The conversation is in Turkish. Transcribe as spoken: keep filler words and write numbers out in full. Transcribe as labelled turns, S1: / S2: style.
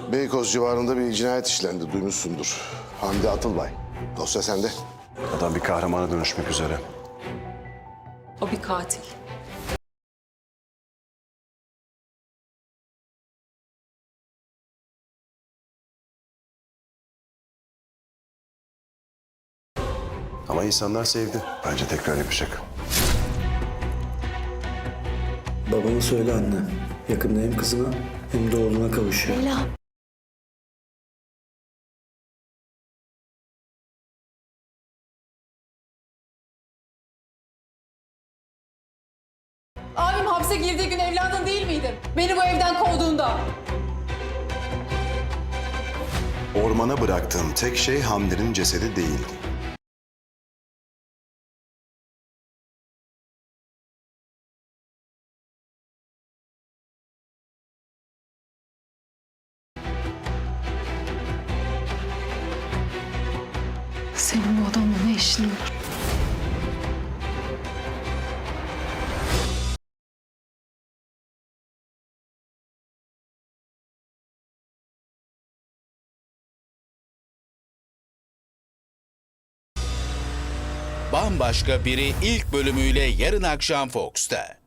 S1: Beykoz civarında bir cinayet işlendi, duymuşsundur. Hamdi Atılbay. Dosya sende.
S2: Adam bir kahramana dönüşmek üzere.
S3: O bir katil.
S2: Ama insanlar sevdi. Bence tekrar yapacak.
S4: Babama söyle anne. Yakında hem kızına hem de oğluna kavuşuyor.
S3: Leyla.
S5: Abim hapse girdiği gün evladın değil miydim? Beni bu evden kovduğunda.
S2: Ormana bıraktığım tek şey Hamdi'nin cesedi değildi.
S3: Senin bu adamla ne işin olur?
S6: Bambaşka Biri ilk bölümüyle yarın akşam Fox'ta.